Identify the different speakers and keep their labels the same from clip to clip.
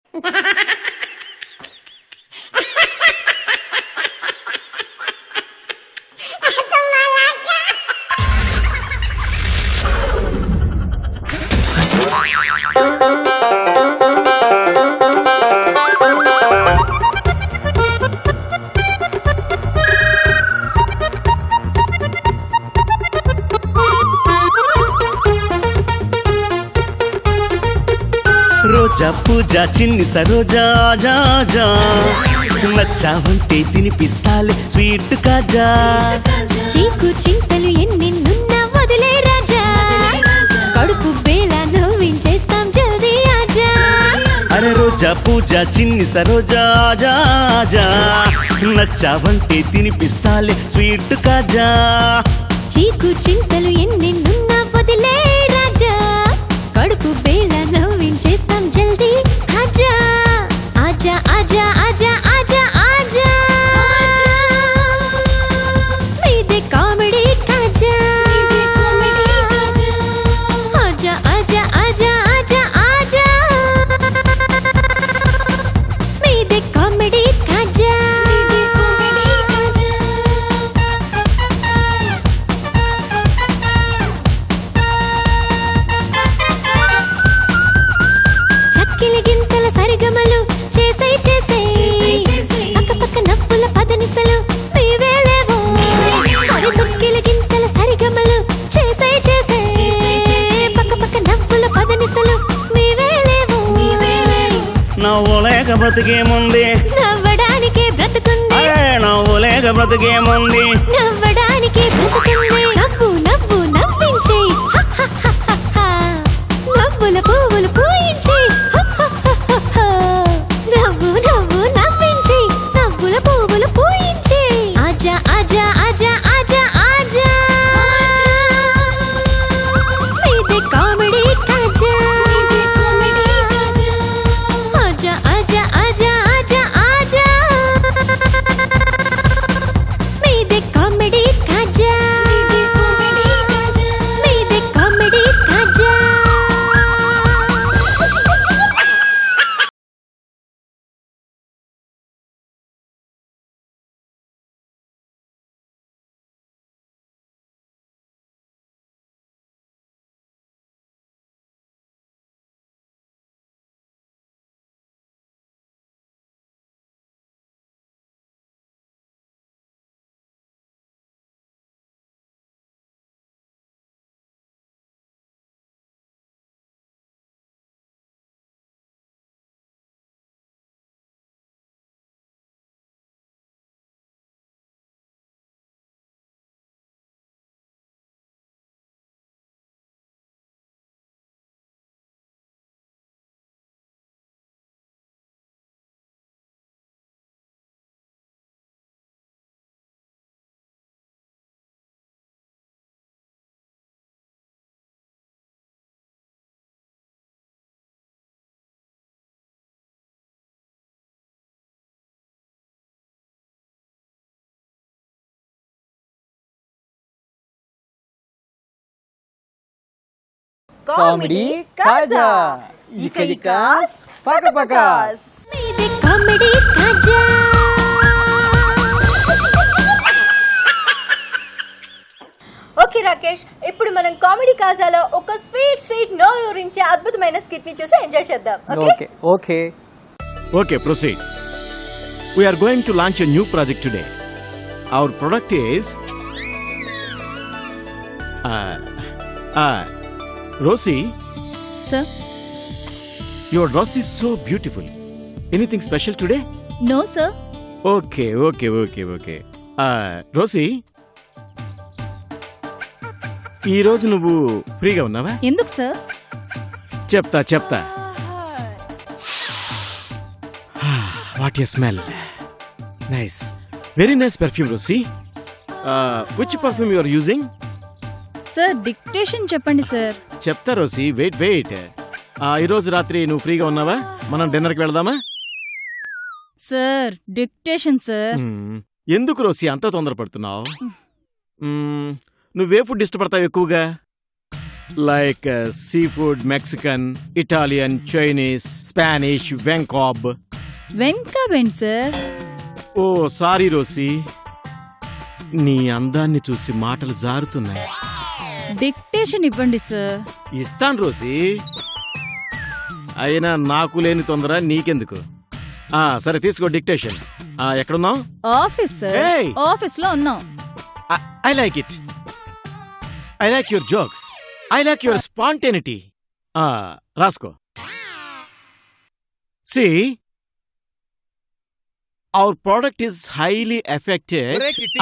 Speaker 1: రోజా పూజ చిన్ని సరోజా జా జా నచ్చావంటే తినిపిస్తాలే స్వీట్ కాజా
Speaker 2: చీకు చింతలు ఎన్నెన్నున్నా వదిలే రాజా కడుపు బేల నవ్వించేస్తాం జల్దీ ఆజా
Speaker 1: అరే రోజా పూజ చిన్ని సరోజా జా జా నచ్చావంటే తినిపిస్తాలే స్వీట్ కాజా
Speaker 2: చీకు చింతలు ఎన్నెన్నున్నా వదిలే రాజా కడుపు బేల నవ్వించేస్తాం జల్దీ ఆజా ఆజా ఆజా ఆజా ఆజా ఆజా మీదే కామెడీ కాజా ఆజా ఆజా ఆజా ఆజా ఆజా మీదే కామెడీ కాజా చక్కిలి గింతల సరిగమలు చేసే చేసే పక్క నవ్వుల పదనిసలు నీవేలేవో అరే చక్కిలి గింతల సరిగమలు చేసే చేసే పక్క నవ్వుల పదనిసలు నీవేలేవో
Speaker 1: నవ్వులేక బ్రతికేముంది
Speaker 2: నవ్వడానికే బ్రతుకుంది
Speaker 1: అరే నవ్వులేక బ్రతికేముంది
Speaker 2: నవ్వడానికే బ్రతుకుంది నవ్వు నవ్వు నవ్వించే నవ్వుల పువ్వులు పూయించే నవ్వు నవ్వు నవ్వించే నవ్వుల పువ్వులు పూయించే ఆజా ఆజా ఆజా ఆజా ఆజా మీదే కామెడీ కాజా ఆజా ఆజా ఆజా ఆజా ఆజా మీదే కామెడీ కాజా మీదే కామెడీ కాజా
Speaker 3: కామెడీ కాజా ఇక పకపకాస్
Speaker 2: మీదే కామెడీ కాజా
Speaker 4: ఓకే రాకేష్, ఇప్పుడు మనం కామెడీ కాజాలో ఒక స్వీట్ స్వీట్ నోరూరించే అద్భుతమైన స్కిట్ ని చూసి ఎంజాయ్ చేద్దాం.
Speaker 3: Okay okay
Speaker 5: Okay, proceed. We are going to launch a new project today. Our product is Rosie,
Speaker 2: Sir,
Speaker 5: your dress is so beautiful. Anything special today?
Speaker 2: no sir.
Speaker 5: Okay. Rosie, ఈ రోజు నువ్వు ఫ్రీగా ఉన్నావా?
Speaker 2: ఎందుకు sir?
Speaker 5: చెప్తా. What a smell. Nice. Very nice perfume, Rosie. Which perfume you are using?
Speaker 2: Sir dictation చెప్పండి sir.
Speaker 5: చెప్తా Rosie, wait. ఈ రోజు రాత్రి నువ్వు ఫ్రీగా ఉన్నావా? మనం డిన్నర్కి వెళదామా?
Speaker 2: Sir dictation sir.
Speaker 5: ఎందుకు రోసి అంత తొందరపడుతున్నావు? నువ్వే ఫుడ్ ఇష్టపడతావు ఎక్కువగా? Like seafood, Mexican, Italian, Chinese, Spanish, Venkob.
Speaker 6: వెంకబెండ్ సార్.
Speaker 5: ఓ సారీ రోసి, నీ అందాన్ని చూసి మాటలు జారుతున్నాయి.
Speaker 6: డిక్టేషన్ ఇవ్వండి సార్.
Speaker 5: ఇస్తాను రోసి, అయినా నాకు లేని తొందర నీకెందుకు. సరే తీసుకో డిక్టేషన్. ఎక్కడున్నావు?
Speaker 6: Office sir.
Speaker 5: Hey!
Speaker 6: ఆఫీస్ లో ఉన్నాం.
Speaker 5: I like it. I like your jokes. I like your spontaneity. రాసుకో. See, our product is highly affected.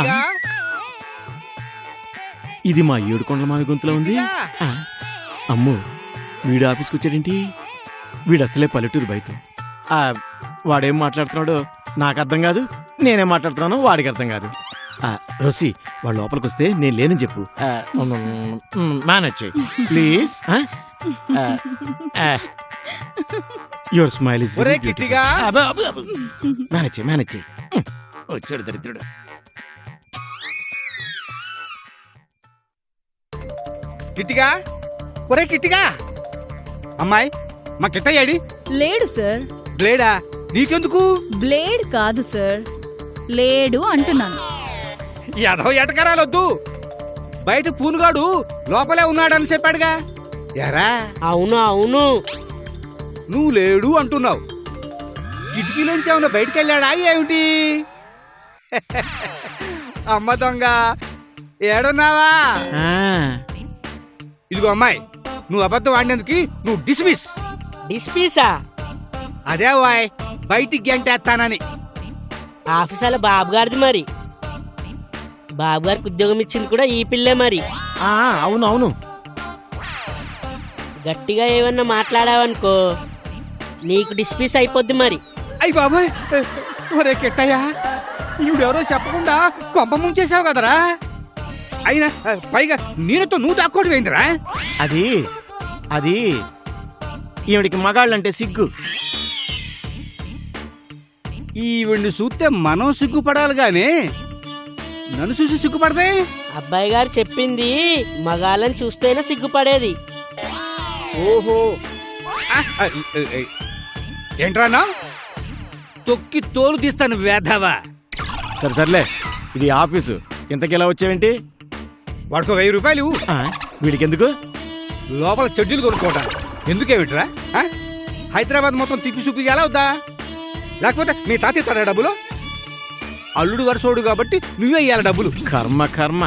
Speaker 5: ఇది మా ఏడుకొండల మావి గొంతులో ఉంది. అమ్మో, వీడు ఆఫీస్కి వచ్చాడేంటి? వీడు అసలే పల్లెటూరు బయట. వాడేం మాట్లాడుతున్నాడో నాకు అర్థం కాదు, నేనేం మాట్లాడుతున్నానో వాడికి అర్థం కాదు. రోసి, వాడు లోపలికి వస్తే నేను లేనని చెప్పు. మేనేజ్ చేయి please. Your smile is manage చేయి, మేనేజ్ చేయి. వచ్చాడు దరిద్రుడు.
Speaker 7: కిట్టిగా, ఒరే కిట్టిగా, అమ్మాయి మా కిట్టయ్యాడి?
Speaker 6: లేడు సార్.
Speaker 7: బ్లేడా? నీకెందుకు?
Speaker 6: బ్లేడ్ కాదు సార్, లేడు అంటున్నాను.
Speaker 7: ఎదవ ఎటకరాలొద్దు. బయట పూనుగాడు లోపలే ఉన్నాడని చెప్పాడుగా. ఎరా?
Speaker 8: అవును.
Speaker 7: నువ్వు లేడు అంటున్నావు. కిటికీలోంచి ఏమన్నా బయటకెళ్ళాడా ఏమిటి? అమ్మ దొంగ, ఏడున్నావా? ఇదిగో అమ్మాయి, నువ్వు అబద్ధం ఆడినందుకు నువ్వు డిస్మిస్.
Speaker 8: డిస్పీసా?
Speaker 7: అదే వాయ్, బయటికి గంటేస్తానని.
Speaker 8: ఆఫీసాల బాబు గారిది మరి. బాబు గారికి ఉద్యోగం ఇచ్చింది కూడా ఈ పిల్లే మరి.
Speaker 5: అవును.
Speaker 8: గట్టిగా ఏమన్నా మాట్లాడావనుకో నీకు డిస్పీస్ అయిపోద్ది మరి.
Speaker 7: అయ్యి బాబాయ్, ఒరే కిట్టయ్యా, ఈవిడెవరో చెప్పకుండా కొంప ముంచేసావు కదరా. అయినా పైగా నీళ్ళతో నువ్వు దాక్కోటి పోయిందిరా.
Speaker 5: అది ఈవిడికి మగాళ్ళంటే సిగ్గు.
Speaker 7: ఈవిడ్ని చూస్తే మనం సిగ్గుపడాలి గాని నన్ను చూసి సిగ్గుపడదే.
Speaker 8: అబ్బాయి గారు చెప్పింది మగాళ్ళని చూస్తేనే సిగ్గుపడేది.
Speaker 7: ఓహో, ఏంట్రానా? తొక్కి తోలు తీస్తాను వేధవా.
Speaker 5: సర్లే, ఇది ఆఫీసు. ఇంతకెలా వచ్చావేంటి?
Speaker 7: వాడికో 1000 రూపాయలు.
Speaker 5: వీడికి ఎందుకు?
Speaker 7: లోపల చెడ్డీలు కొనుక్కోవటాను. ఎందుకేమిట్రా? హైదరాబాద్ మొత్తం తిప్పి చూపి ఎలా అవుతా? లేకపోతే మీ తాత ఇస్తాడా డబ్బులు? అల్లుడు వరుసోడు కాబట్టి నువ్వే ఇయ్యాలి డబ్బులు.
Speaker 5: కర్మ.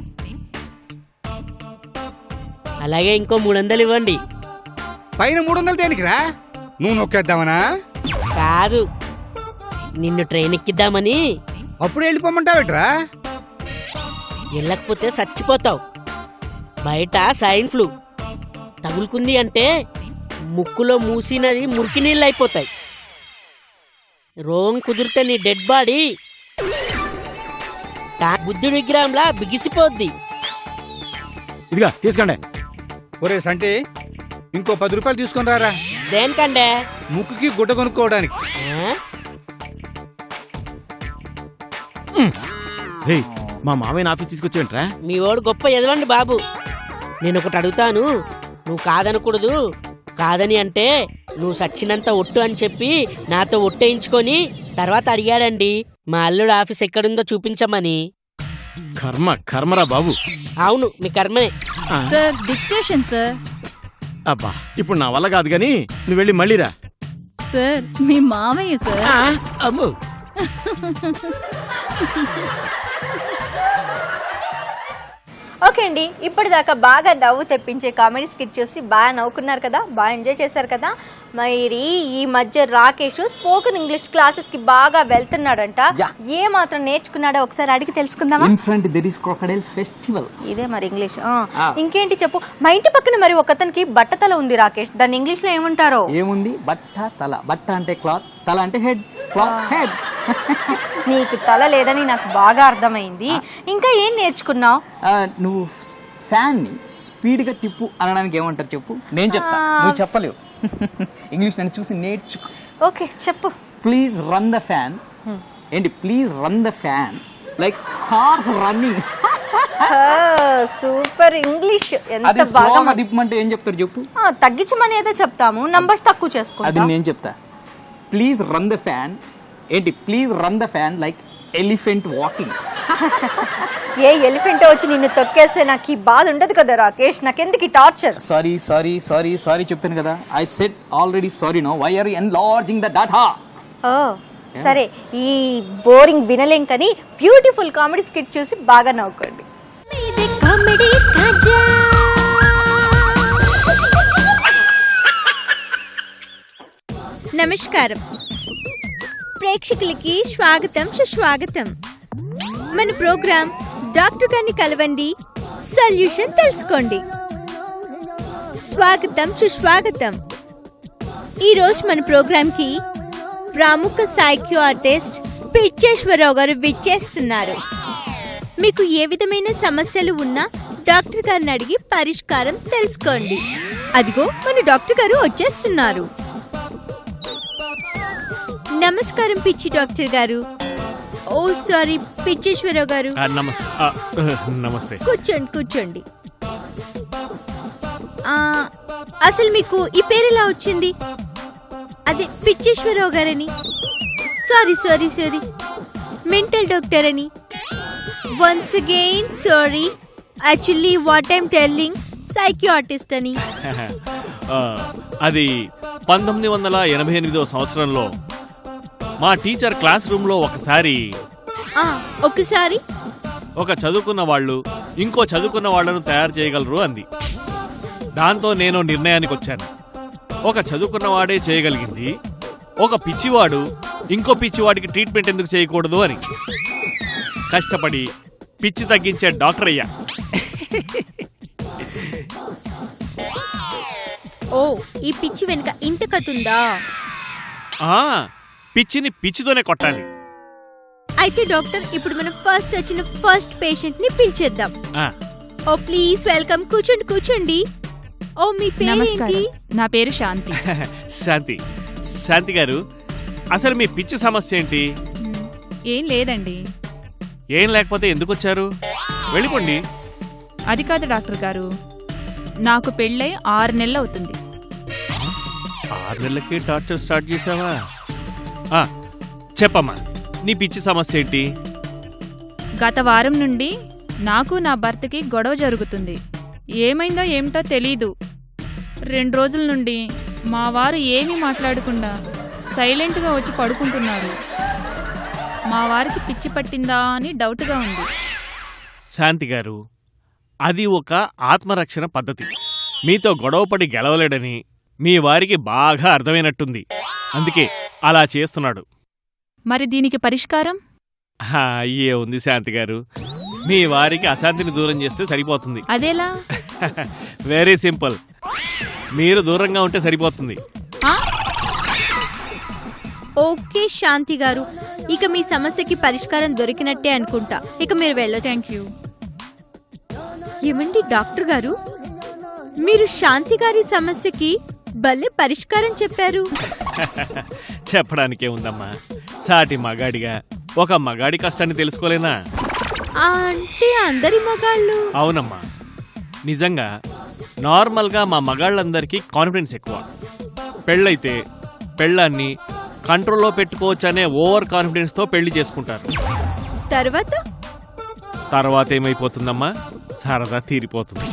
Speaker 8: అలాగే ఇంకో 300 ఇవ్వండి.
Speaker 7: పైన 300 దేనికిరా? నువ్వు నొక్కేద్దామనా?
Speaker 8: కాదు, నిన్ను ట్రైన్ ఎక్కిద్దామని.
Speaker 7: అప్పుడు వెళ్ళిపోమంటావేట్రా?
Speaker 8: వెళ్ళకపోతే చచ్చిపోతావు. బయట సైన్ ఫ్లూ తగులుకుంది అంటే ముక్కులో మూసినది మురికి నీళ్ళు అయిపోతాయి. రోగం కుదిరితే నీ డెడ్ బాడీ బుద్ధుడి విగ్రహంలా బిగిసిపోద్ది.
Speaker 5: ఇదిగా తీసుకోండి.
Speaker 7: ఒరే సంటి, ఇంకో 10 రూపాయలు తీసుకొని రారా.
Speaker 8: దేనికండే?
Speaker 7: ముక్కుకి గుడ్డ కొనుక్కోవడానికి.
Speaker 5: మా మామయ్య ఆఫీస్ తీసుకొచ్చేంట్రా?
Speaker 8: మీ వాడు గొప్ప ఎదవండి బాబు. నేను ఒకటి అడుగుతాను, నువ్వు కాదనకూడదు. కాదని అంటే నువ్వు సచ్చినంత ఒట్టు అని చెప్పి నాతో ఒట్టేయించుకొని తర్వాత అడిగాడండి మా అల్లుడు ఆఫీస్ ఎక్కడుందో చూపించమని.
Speaker 5: కర్మరా బాబు.
Speaker 8: అవును, మీ కర్మే.
Speaker 6: Sir dictation sir.
Speaker 5: అబ్బా, ఇప్పుడు నా వల్ల కాదు గాని నువ్వు వెళ్ళి మళ్ళీరా.
Speaker 6: సార్ మీ మామయ్య సార్.
Speaker 5: అమ్మో.
Speaker 4: ఓకే అండి, ఇప్పటిదాకా బాగా నవ్వు తెప్పించే కామెడీ స్కిట్ చూసి బాగా నవ్వుకున్నారు కదా, బాగా ఎంజాయ్ చేశారు కదా. మరి ఈ మధ్య రాకేష్ స్పోకెన్ ఇంగ్లీష్ క్లాసెస్ కి బాగా వెళ్తున్నాడంట. ఏ మాత్రం నేర్చుకున్నాడో ఒకసారి అడిగి తెలుసుకుందామా?
Speaker 3: In front there is crocodile festival.
Speaker 4: ఇదే మరి ఇంగ్లీష్. ఇంకేంటి చెప్పు. మా ఇంటి పక్కన మరి ఒకతనికి బట్టతల ఉంది రాకేష్, దాన్ని ఇంగ్లీష్ లో ఏమంటారో?
Speaker 3: ఏముంది? బట్ట తల. బట్ట అంటే క్లాత్, తల అంటే హెడ్. Cloth head.
Speaker 4: నీకు తల లేదని నాకు బాగా అర్థమైంది. ఇంకా ఏం నేర్చుకున్నావు?
Speaker 3: నువ్వు ఫ్యాన్ ని స్పీడ్ గా తిప్పు అనడానికి ఏమంటారు చెప్పు? నేను చెప్తా, నువ్వు చెప్పలేవు. ఇంగ్లీష్ నన్ను చూసి నేర్చుకో.
Speaker 4: ఓకే చెప్పు.
Speaker 3: Please run the fan. ఏంటి? Please run the fan like horse running.
Speaker 4: Super English
Speaker 3: అది
Speaker 4: ఎంత
Speaker 3: స్లోగా
Speaker 4: బాగా
Speaker 3: తిప్పమంటే ఏం చెప్తారు చెప్పు.
Speaker 4: తగ్గించమని ఏదో చెప్తాము, నంబర్స్ తక్కువ
Speaker 3: అది
Speaker 4: చేసుకుంటాం.
Speaker 3: నేను చెప్తా. Please run the fan. ఏంటి please run the fan like elephant walking.
Speaker 4: ఏ ఎలిఫెంట్ వచ్చి నిన్ను తొక్కేస్తే నాకు ఈ బాధ ఉండదు కదా రాకేష్, నాకెందుకు ఈ torture?
Speaker 3: Sorry sorry sorry sorry చెప్పాను కదా. I said already sorry. No why are enlarging the data.
Speaker 4: Oh సరే, ఈ బోరింగ్ వినలేం కానీ బ్యూటిఫుల్ కామెడీ స్కిట్ చూసి బాగా నవ్వుకోండి.
Speaker 2: ఇది కామెడీ కాజా.
Speaker 4: నమస్కారం ప్రేక్షకులకి స్వాగతం సుస్వాగతం. మన ప్రోగ్రామ్ డాక్టర్ గారిని కలవండి, సొల్యూషన్ తెలుసుకోండి. స్వాగతం సుస్వాగతం. ఈరోజు మన ప్రోగ్రామ్కి ప్రముఖ సైకియాట్రిస్ట్ పిచ్చేశ్వరరావు గారు విచ్చేస్తున్నారు. మీకు ఏ విధమైన సమస్యలు ఉన్నా డాక్టర్ గారిని అడిగి పరిష్కారం తెలుసుకోండి. అదిగో మన డాక్టర్ గారు వచ్చేస్తున్నారు. నమస్కారం పిచ్చి డాక్టర్ గారు. ఓ సారీ పిచ్చేశ్వరరావు గారు.
Speaker 5: నమస్తే.
Speaker 4: కూర్చోండి కూర్చోండి. అసలు మీకు ఈ పేరు ఎలా వచ్చింది? అదే పిచ్చేశ్వరరావు గారని. Sorry sorry sorry mental doctor అని. Once again sorry. Actually what I'm telling psychiatrist అని.
Speaker 9: అది 1988వ సంవత్సరంలో మా టీచర్ క్లాస్ రూమ్లో ఒకసారి ఒక చదువుకున్న వాళ్ళు ఇంకో చదువుకున్న వాళ్లను తయారు చేయగలరు అంది. దాంతో నేను నిర్ణయానికి వచ్చాను. ఒక చదువుకున్నవాడే చేయగలిగింది, ఒక పిచ్చివాడు ఇంకో పిచ్చివాడికి ట్రీట్మెంట్ ఎందుకు చేయకూడదు అని కష్టపడి పిచ్చి తగ్గించే డాక్టర్ అయ్యా.
Speaker 4: ఓ ఈ పిచ్చి వెనుక ఇంత కథ.
Speaker 9: పిచ్చిని పిచ్చితోనే కొట్టాలి.
Speaker 4: అయితే డాక్టర్ ఇప్పుడు మనం ఫస్ట్ వచ్చిన ఫస్ట్ పేషెంట్ ని పిలిచేద్దాం. ఓ ప్లీజ్ వెల్కమ్. కూర్చోండి కూర్చోండి. ఓ మీ పేరేంటి?
Speaker 6: నా పేరు శాంతి.
Speaker 9: శాంతి గారు, అసలు మీ పిచ్చి సమస్య ఏంటి?
Speaker 6: ఏం లేదండి.
Speaker 9: ఏం లేకపోతే ఎందుకు వచ్చారు? వెళ్ళిపోండి.
Speaker 6: అది కాదు డాక్టర్ గారు, నాకు పెళ్ళై 6 నెలలు అవుతుంది.
Speaker 9: 6 నెలలకి టార్చర్ స్టార్ట్ చేసావా? చెప్పమ్మా, నీ పిచ్చి సమస్య ఏంటి?
Speaker 6: గత వారం నుండి నాకు నా భర్తకి గొడవ జరుగుతుంది. ఏమైందో ఏమిటో తెలీదు. 2 రోజుల నుండి మా వారు ఏమీ మాట్లాడకుండా సైలెంట్గా వచ్చి పడుకుంటున్నారు. మా వారికి పిచ్చి పట్టిందా అని డౌట్గా ఉంది.
Speaker 9: శాంతి గారు, అది ఒక ఆత్మరక్షణ పద్ధతి. మీతో గొడవపడి గెలవలేడని మీ వారికి బాగా అర్థమైనట్టుంది. అందుకే అలా చేస్తున్నాడు.
Speaker 6: మరి దీనికి పరిష్కారం?
Speaker 9: అయ్యే ఉంది శాంతి గారు, మీ వారికి అశాంతిని దూరం చేస్తే సరిపోతుంది.
Speaker 6: అదేలా?
Speaker 9: Very simple. మీరు దూరంగా ఉంటే సరిపోతుంది.
Speaker 4: ఓకే శాంతి గారు, ఇక మీ సమస్యకి పరిష్కారం దొరికినట్టే అనుకుంటా. ఇక మీరు వెళ్ళొచ్చు.
Speaker 6: Thank you.
Speaker 4: ఏమండి డాక్టర్ గారు, మీరు శాంతి గారి సమస్యకి భలే పరిష్కారం చెప్పారు.
Speaker 9: చెప్పడానికే ఉందమ్మా, సాటి మగాడిగా ఒక మగాడి కష్టాన్ని తెలుసుకోలేనా?
Speaker 4: అంటే అందరి మగాళ్ళు?
Speaker 9: అవునమ్మా, నిజంగా నార్మల్గా మా మగాళ్ళందరికీ కాన్ఫిడెన్స్ ఎక్కువ. పెళ్ళైతే పెళ్ళాన్ని కంట్రోల్లో పెట్టుకోవచ్చనే ఓవర్ కాన్ఫిడెన్స్తో పెళ్లి చేసుకుంటారు. తర్వాత ఏమైపోతుందమ్మా? సరదా తీరిపోతుంది.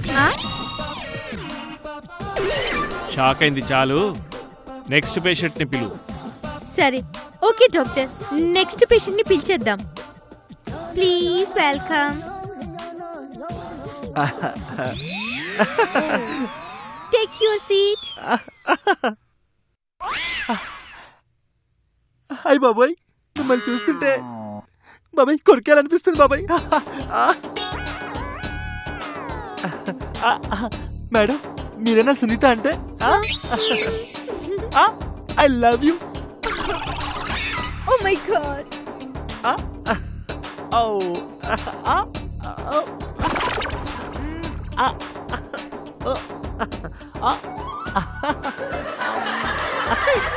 Speaker 9: షాక్ అయింది చాలు. నెక్స్ట్ పేషెంట్ని పిలువు.
Speaker 4: సరే ఓకే డాక్టర్, నెక్స్ట్ పేషెంట్ని పిలిచేద్దాం. Please welcome. Take your seat.
Speaker 5: అయ్య బాబాయ్, మిమ్మల్ని చూస్తుంటే బాబాయ్ కొరికేయాలనిపిస్తుంది బాబాయ్. మేడం, మీరేనా సునీత అంటే? I love you.
Speaker 4: Oh my god.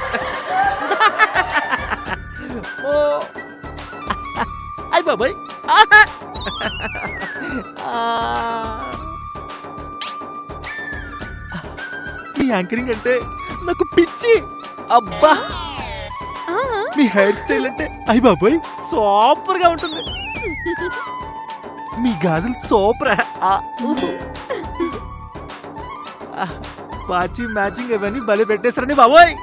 Speaker 5: అయ్య బాబాయ్, మీ యాంకరింగ్ అంటే నాకు పిచ్చి. అబ్బా, మీ హెయిర్ స్టైల్ అంటే అయ్య బాబోయ్ సూపర్ గా ఉంటుంది. మీ గాజులు సూపర్. వాచి మ్యాచింగ్ అవన్నీ భలే పెట్టేశారని బాబోయ్.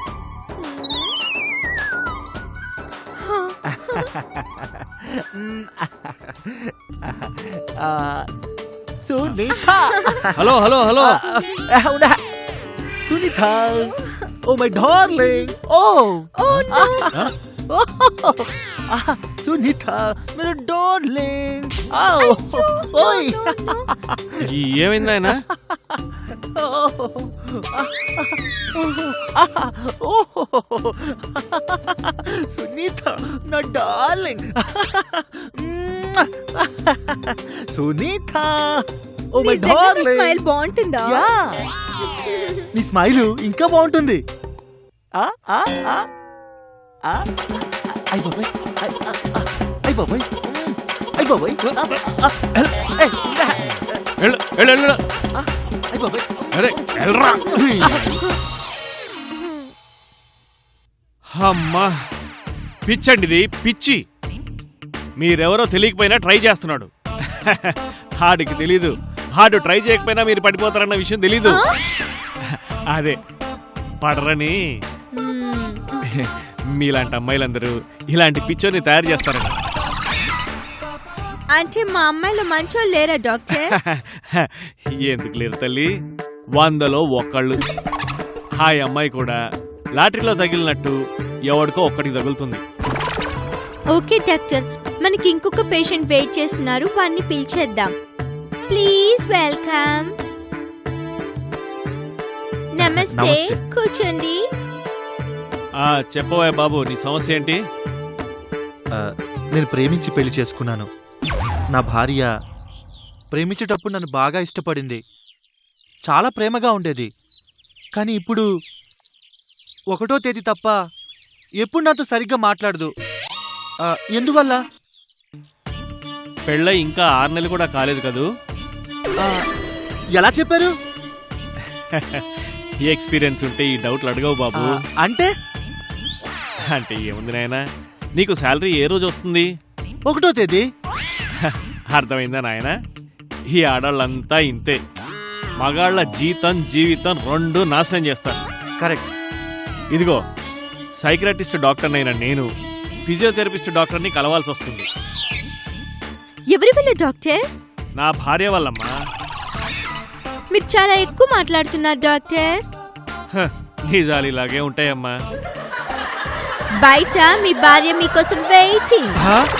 Speaker 5: Sunitha,
Speaker 9: hello hello hello
Speaker 5: Sunitha, oh my darling. Oh Sunitha మీరు డార్లింగ్. ఓయ్
Speaker 9: ఏమైంది ఆయన?
Speaker 5: సునీత నా darling. Sunitha, oh my darling.
Speaker 4: Smile బాగుంటుందా?
Speaker 5: నీ స్మైల్ ఇంకా బాగుంటుంది. అయ్ బాబాయ్, అయ్ బాబాయ్, అయ్ బాబాయ్,
Speaker 9: వెళ్ళు, వెళ్ళు, వెళ్ళు.
Speaker 5: అయ్ బాబాయ్.
Speaker 9: అరే వెళ్ళరా. అమ్మా, పిచ్చండి ఇది, పిచ్చి. మీరెవరో తెలియకపోయినా ట్రై చేస్తున్నాడు. హార్డ్కి తెలీదు, హార్డ్ ట్రై చేయకపోయినా మీరు పడిపోతారన్న విషయం తెలీదు. అదే పడరని మీలాంటి అమ్మాయిలందరూ ఇలాంటి పిచ్చోని తయారు చేస్తారండి.
Speaker 4: అంటే మా అమ్మాయిలు మంచోళ్ళు లేరా డాక్టర్?
Speaker 9: ఎందుకు లేరు తల్లి, 100లో 1. ఆ అమ్మాయి కూడా లాటరీలో తగిలినట్టు ఎవడికో ఒక్కడికి తగులుతుంది.
Speaker 4: ఓకే డాక్టర్, మనకి ఇంకొక పేషెంట్ వెయిట్ చేస్తున్నారు, వాడిని పిలిచేద్దాం. Please welcome. నమస్తే, కూర్చోండి.
Speaker 9: చెప్పవా బాబు, నీ సమస్య ఏంటి?
Speaker 5: నేను ప్రేమించి పెళ్లి చేసుకున్నాను. నా భార్య ప్రేమించేటప్పుడు నన్ను బాగా ఇష్టపడింది, చాలా ప్రేమగా ఉండేది. కానీ ఇప్పుడు 1వ తేదీ తప్ప ఎప్పుడు నాతో సరిగ్గా మాట్లాడదు. ఎందువల్ల?
Speaker 9: పెళ్ళై ఇంకా 6 నెలలు కూడా కాలేదు కదూ.
Speaker 5: ఎలా చెప్పారు?
Speaker 9: ఈ ఎక్స్పీరియన్స్ ఉంటే ఈ డౌట్లు అడగవు బాబు.
Speaker 5: అంటే
Speaker 9: అంటే ఏముంది నాయనా, నీకు శాలరీ ఏ రోజు వస్తుంది?
Speaker 5: 1వ తేదీ.
Speaker 9: అర్థమైందా నాయనా? ఈ ఆడాళ్ళంతా ఇంతే, మగాళ్ళ జీవితం 2 నాశనం చేస్తారు.
Speaker 5: కరెక్ట్.
Speaker 9: ఇదిగో, సైకియాట్రిస్ట్ డాక్టర్నైనా నేను ఫిజియోథెరపిస్ట్ డాక్టర్ని కలవాల్సి వస్తుంది.
Speaker 4: ఎవరి వల్ల డాక్టర్?
Speaker 9: నా భార్య వల్లమ్మా.
Speaker 4: మీరు చాలా ఎక్కువ మాట్లాడుతున్నారు డాక్టర్.
Speaker 9: నిజాలు ఇలాగే ఉంటాయమ్మా.
Speaker 4: బయట మీ భార్య మీకోసం వెయిటింగ్.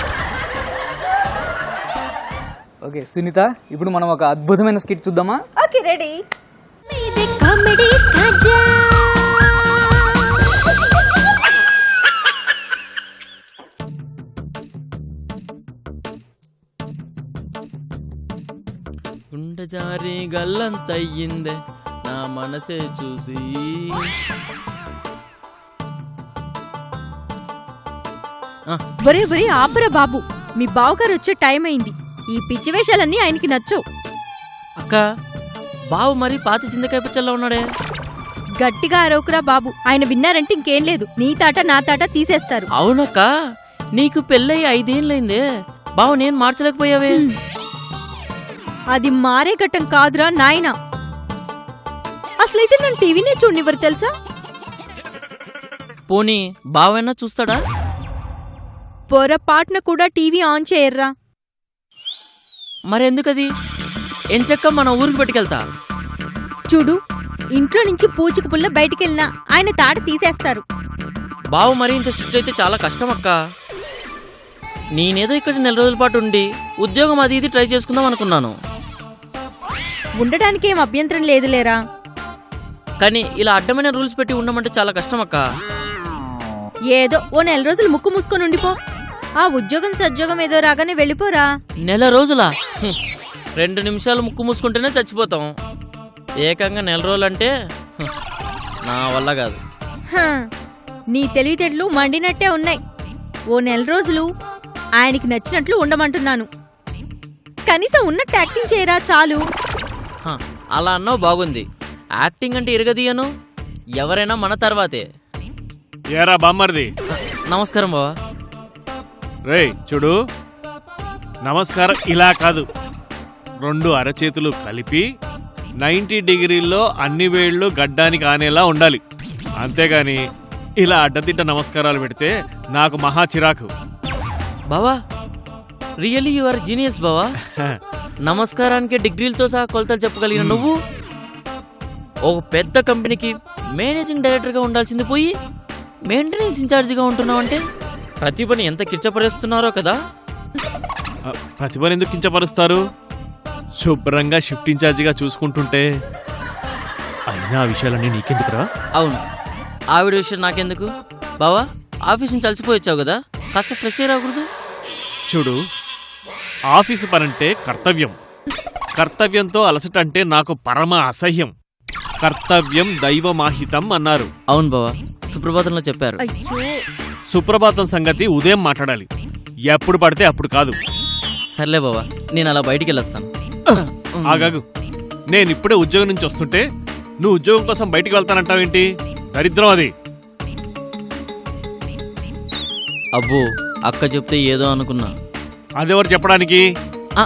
Speaker 3: ఓకే సునీత, ఇప్పుడు మనం ఒక అద్భుతమైన స్కిట్ చూద్దామా?
Speaker 4: Okay, ready.
Speaker 2: కామెడీ కాజా.
Speaker 10: గుండె జారి గల్లంతయ్యిందే నా మనసే చూసి.
Speaker 4: ఒరే ఒరే ఆపరా బాబు, మీ బావగారు వచ్చే టైం అయింది. ఈ పిచ్చి వేషాలన్నీ ఆయనకి నచ్చవు.
Speaker 10: అక్క, బావు మరి పాతి చింతకాయ పచ్చల్లో ఉన్నాడే.
Speaker 4: గట్టిగా అరవకురా బాబు, ఆయన విన్నారంటే ఇంకేం లేదు, నీ తాట నా తాట తీసేస్తారు.
Speaker 10: అవునక్క, నీకు పెళ్ళయి 5 ఏళ్ళైందే, బావు నేను మార్చలేకపోయావే.
Speaker 4: అది మారే ఘట్టం కాదురా నాయనా. అసలైతే నన్ను టీవీనే చూడనివ్వరు తెలుసా.
Speaker 10: పోనీ బావైనా చూస్తాడా?
Speaker 4: పొరపాటున కూడా టీవీ ఆన్ చేయర్రా.
Speaker 10: మరెందుకది? ఎంచక్క మన ఊరికి పట్టుకెళ్తా.
Speaker 4: చూడు, ఇంట్లో నుంచి పూచిక పుల్ల బయటికెళ్ళినా ఆయన తాట తీసేస్తారు.
Speaker 10: బావు మరి ఇంత స్ట్రిక్ట్ అయితే చాలా కష్టం అక్క. నేనేదో ఇక్కడ 4 రోజుల పాటు ఉండి ఉద్యోగం అది ఇది ట్రై చేసుకుందాం అనుకున్నాను.
Speaker 4: ఉండడానికి ఏం అభ్యంతరం లేదులేరా.
Speaker 10: కానీ ఇలా అడ్డమైన రూల్స్ పెట్టి ఉండమంటే చాలా కష్టం అక్క.
Speaker 4: ఏదో ఓ 4 రోజులు ముక్కు మూసుకొని ఉండిపో. ఆ ఉద్యోగం సద్యోగం ఏదో రాగానే వెళ్ళిపోరా.
Speaker 10: 4 రోజులా? 2 నిమిషాలు ముక్కు మూసుకుంటేనే చచ్చిపోతాం, ఏకంగా 4 రోజులంటే నా వల్ల కాదు.
Speaker 4: నీ తెలివితేటలు మండినట్టే ఉన్నాయి. ఓ 4 రోజులు ఆయనకి నచ్చినట్లు ఉండమంటున్నాను. కనీసం ఉన్నట్టు యాక్టింగ్ చేయరా చాలు.
Speaker 10: హ, అలా అన్నావు బాగుంది. యాక్టింగ్ అంటే ఇరగదీయను, ఎవరైనా మన తర్వాతే.
Speaker 9: ఏరా బామ్మర్ది,
Speaker 10: నమస్కారం బావా.
Speaker 9: రేయ్ చూడు, నమస్కారం ఇలా కాదు, 2 అరచేతులు కలిపి 90 డిగ్రీల్లో అన్ని వేళ్ళు గడ్డానికి ఆనేలా ఉండాలి. అంతేగాని ఇలా అడ్డదిడ్డ నమస్కారాలు పెడితే నాకు మహా చిరాకు.
Speaker 10: బావా రియల్లీ యు ఆర్ జీనియస్ బావా. నమస్కారానికి డిగ్రీలతో సహా కొలతలు చెప్పగలిగిన నువ్వు ఒక పెద్ద కంపెనీకి మేనేజింగ్ డైరెక్టర్గా ఉండాల్సింది పోయి మెయింటెనెన్స్ ఇన్ఛార్జిగా ఉంటున్నావు అంటే ప్రతిభని ఎంత కిర్చపరుస్తున్నారో కదా.
Speaker 9: ప్రతిభను ఎందుకు కించపరుస్తారు? శుభ్రంగా షిఫ్ట్ ఇన్ఛార్జిగా చూసుకుంటుంటే. అయినా ఆ విషయాలన్నీ నీకెందుకురా?
Speaker 10: అవును, ఆవిడ విషయం నాకెందుకు బావా. ఆఫీస్ నుంచి అలసిపోయి కదా, కాస్త ఫ్రెష్ అయ్యి రాకూడదు?
Speaker 9: చూడు, ఆఫీసు పనంటే కర్తవ్యం, కర్తవ్యంతో అలసటంటే నాకు పరమ అసహ్యం. కర్తవ్యం దైవమాహితం అన్నారు.
Speaker 10: అవును బావా, సుప్రభాతంలో చెప్పారు.
Speaker 9: సుప్రభాతం సంగతి ఉదయం మాట్లాడాలి, ఎప్పుడు పడితే అప్పుడు కాదు.
Speaker 10: సర్లే బావా, నేను అలా బయటికి వెళ్ళొస్తాను.
Speaker 9: ఆగాగు, నేనిప్పుడే ఉద్యోగం నుంచి వస్తుంటే నువ్వు ఉద్యోగం కోసం బయటికి వెళ్తానంటావేంటి? దరిద్రం అది.
Speaker 10: అబ్బో, అక్క చెప్తే ఏదో అనుకున్నా.
Speaker 9: అదెవరు చెప్పడానికి?
Speaker 10: ఆ.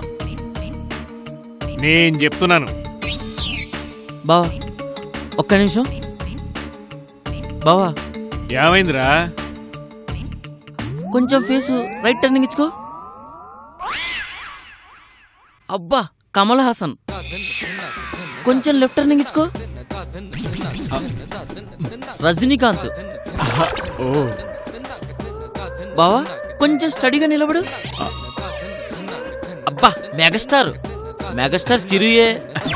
Speaker 9: నేను చెప్తున్నాను.
Speaker 10: బావా ఒక్క నిమిషం. బావా
Speaker 9: ఏమైందిరా?
Speaker 10: కొంచెం ఫేసు రైట్ టర్నింగ్ ఇచ్చుకో. అబ్బా, కమల్ హాసన్. కొంచెం లెఫ్ట్ టర్నింగ్ ఇచ్చుకో. రజనీకాంత్.
Speaker 9: ఓ
Speaker 10: బావా కొంచెం స్టడీగా నిలబడు. అబ్బా, మెగాస్టార్. మెగాస్టార్ చిరుయే.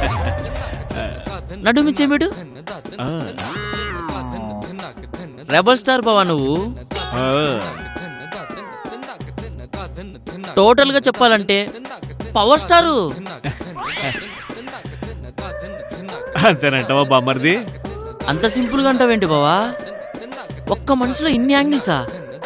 Speaker 10: నడుమి చెబిడు. రెబల్ స్టార్ బావా నువ్వు. టోటల్ గా చెప్పాలంటే పవర్ స్టారు.
Speaker 9: అంతేనంటావా బామ్మర్ది?
Speaker 10: అంత సింపుల్ గా అంటావేంటి బావా? ఒక్క మనిషిలో ఇన్ని యాంగిల్సా?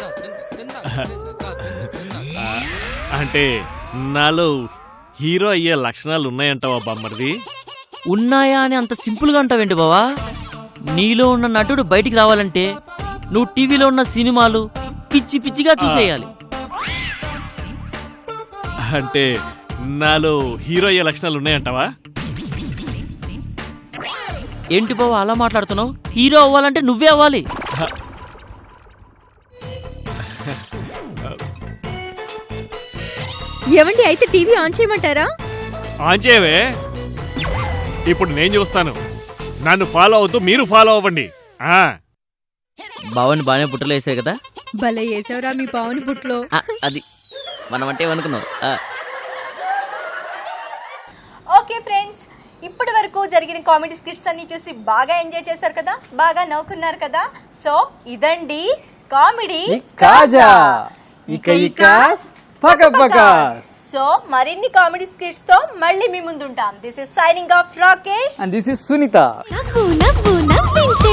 Speaker 9: అంటే నాలో హీరో అయ్యే లక్షణాలు ఉన్నాయంటావా బామ్మర్ది?
Speaker 10: ఉన్నాయా అని అంత సింపుల్ గా అంటావేంటి బావా? నీలో ఉన్న నటుడు బయటికి రావాలంటే నువ్వు టీవీలో ఉన్న సినిమాలు పిచ్చి పిచ్చిగా చూసేయాలి.
Speaker 9: అంటే నాలో హీరో అయ్యే లక్షణాలు ఉన్నాయంటావా?
Speaker 10: ఏంటి బావా అలా మాట్లాడుతున్నావు? హీరో అవ్వాలంటే నువ్వే అవ్వాలి.
Speaker 4: ఏమండి, అయితే టీవీ ఆన్ చేయమంటారా?
Speaker 9: ఆన్ చేయవే, ఇప్పుడు నేను చూస్తాను. నన్ను ఫాలో అవుతూ మీరు ఫాలో అవ్వండి.
Speaker 10: బావని బాగానే పుట్టలు వేసాయి కదా.
Speaker 4: భలే వేసావురా మీ పావుని పుట్లో.
Speaker 10: అది మనం అంటే ఏమనుకున్నావు?
Speaker 4: ఓకే ఫ్రెండ్స్, ఇప్పటి వరకు జరిగిన కామెడీ స్కిట్స్ అన్ని చూసి బాగా ఎంజాయ్ చేశారు కదా, బాగా నవ్వుకున్నారు కదా. సో ఇదండి కామెడీ
Speaker 3: కాజా. ఇక పకపకాస్.
Speaker 4: సో మరిన్ని కామెడీ స్కిట్స్ తో మళ్ళీ మీ ముందుంటాం. This is signing off Rakesh
Speaker 3: and this is Sunitha.
Speaker 2: నవ్వు నవ్వు నవ్వించే